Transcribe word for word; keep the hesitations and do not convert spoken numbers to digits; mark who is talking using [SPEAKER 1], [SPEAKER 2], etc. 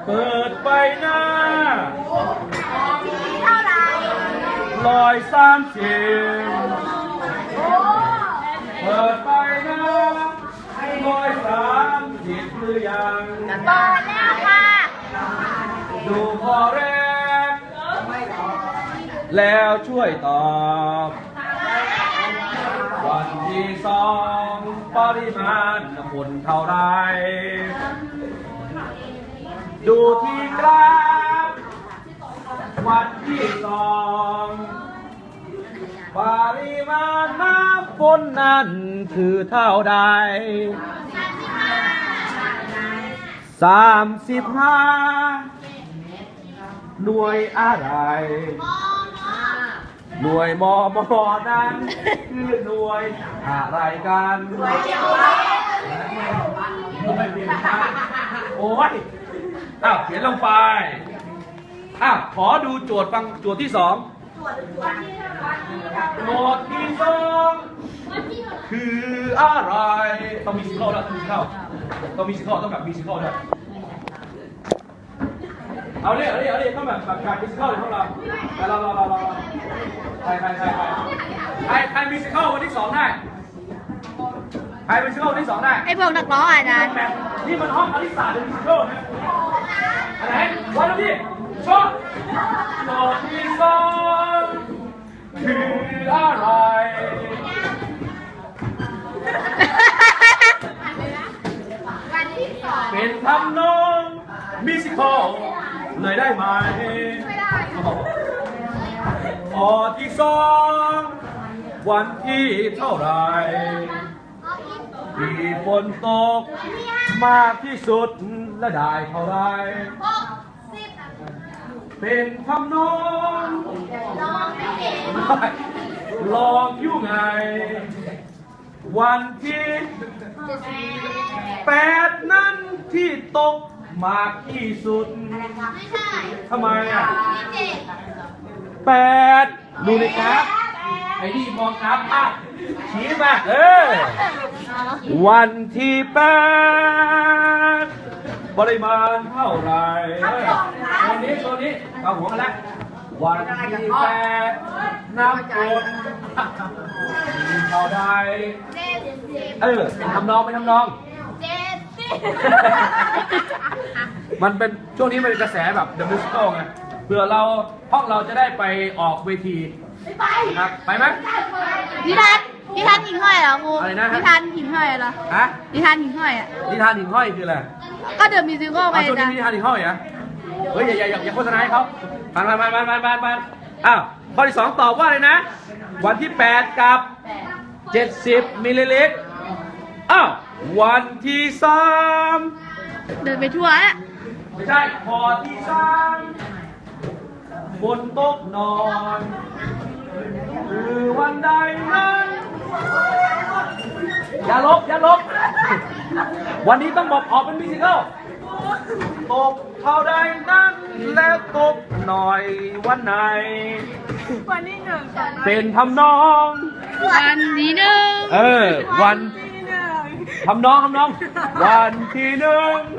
[SPEAKER 1] เปิดไปหน้า
[SPEAKER 2] เท่าไหร่
[SPEAKER 1] ลอยสามสิบเปิดไปหน้าลอยสามสิบหรือยัง
[SPEAKER 2] เปิดแล้วค่ะ
[SPEAKER 1] ดูพอแรกแล้วช่วยตอบวันที่สองปริมาณฝนเท่าไรดูที่กราฟวันที่สองปริมาณน้ำฝนนั้นคือเท่าใดสามสิบห้าหน่วยอะไรหน่วยมอมอนั้นคือหน่วยอะไรกันโอ้ยอ้าวเขียนลงไปอ้าวขอดูโจทย์ฟังโจทย์ที่สองโจทย์ที่สองคืออะไรต้องมีซิคอลแล้วต้องมีซิคอลต้องมีซิคอลต้องแบบมีซิคอลด้วยเอาเลยเอาเลยเอาเลยต้องแบบแบบการมิวสิคัลเลยพวกเราแต่เราเราเราเราใครใครใครใครใครใครมิวสิคัลวันที่สองได้ใครมิวสิคัลวันที่สองได้
[SPEAKER 2] ไอ้พวกนักร้องอาจารย์
[SPEAKER 1] นี่มันห้องอลิสาเดมิวสิคัลนะอะไรวันแล้วพี่ชอบโจทย์ที่สองคืออะไรเป็นทำนองมิวสิคัลเลยได้ไหมไม่ได้ข้อที่สองวันที่เท่าไรที่ฝนตกมากที่สุดและได้เท่าไรเป็นคำนองลองอยู่ไงวันที่แปดนั้นที่ตกมากที่สุดทำไมอ่ะแปดดูในกราฟไอ้นี่มองกราฟอ่ะชี้มาเออวันที่แปดปริมาณเท่าไหร่ตัวนี้ตัวนี้เอาหัวกันแล้ววันที่แปดน้ำฝนเท่าใดเออเป็นทำนองเป็นทำนองมันเป็นช่วงนี้มันเป็นกระแสแบบ The Musical ไงเพื่อเราห้องเราจะได้ไปออกเวทีครับไปไหม
[SPEAKER 2] นิทานนิทานหิ่งห้อยเหรอครู
[SPEAKER 1] อะไรนะ
[SPEAKER 2] นิทานหิ่งห้อยเหรอ
[SPEAKER 1] ฮะ
[SPEAKER 2] นิทานหิ่งห้อยอ่ะ
[SPEAKER 1] นิทานหิ่งห้อยคืออะไร
[SPEAKER 2] ก็เดอะมิวสิคัลไป
[SPEAKER 1] ช่วงนี้นิทานหิ่งห้อยเหรอเฮ้ยอย่าอย่าอย่าโฆษณาให้เขาผ่านผ่านผ่านผ่านผ่านผ่านผ่านอ้าวข้อที่สองตอบว่าอะไรนะวันที่แปดกับเจ็ดสิบมิลลิลิตรอ้าววันที่สาม
[SPEAKER 2] เดินไปทั่วอ่ะ
[SPEAKER 1] ไม่ใช่ข้อที่สามบนโต๊ะนอนคือวันใดนั้นอย่าลบอย่าลบวันนี้ต้องบอกออกเป็นมิวสิคัลตกเท่าใดนั้นแล้วตกหน่อยวันไหน
[SPEAKER 2] วันที่หนึ่ง
[SPEAKER 1] เป็นทำนอง
[SPEAKER 2] วันที่หนึ่ง
[SPEAKER 1] เออวันทำนองทำนองวันที่หนึ่ง